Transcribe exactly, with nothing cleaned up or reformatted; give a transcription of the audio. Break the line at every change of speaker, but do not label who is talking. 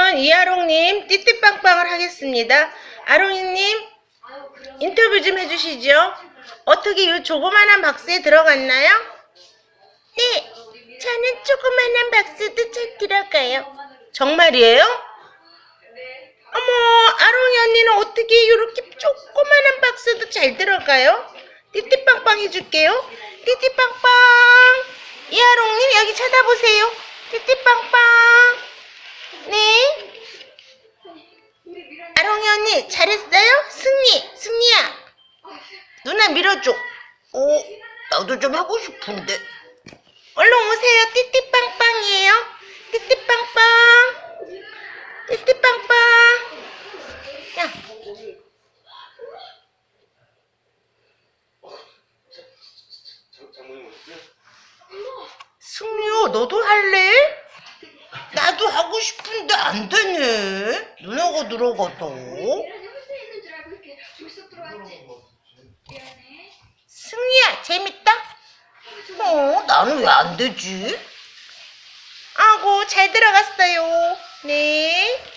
그러면 이아롱님 띠띠빵빵을 하겠습니다. 아롱이님 인터뷰 좀 해주시죠. 어떻게 이 조그만한 박스에 들어갔나요? 네, 저는 조그만한 박스도 잘 들어가요. 정말이에요? 어머, 아롱이 언니는 어떻게 이렇게 조그만한 박스도 잘 들어가요? 띠띠빵빵 해줄게요. 띠띠빵빵. 이아롱님 여기 쳐다보세요. 띠띠빵빵. 네. 아롱이 언니 잘했어요? 승리, 승리야. 누나 밀어줘. 오, 나도 좀 하고 싶은데. 얼른 오세요. 띠띠빵빵이에요. 띠띠빵빵. 띠띠빵빵. 야. 승리야, 너도 할래? 나도 하고 싶은데 안 되네. 누나가 들어가서. 승리야, 재밌다? 어, 나는 왜 안 되지? 아고, 잘 들어갔어요. 네.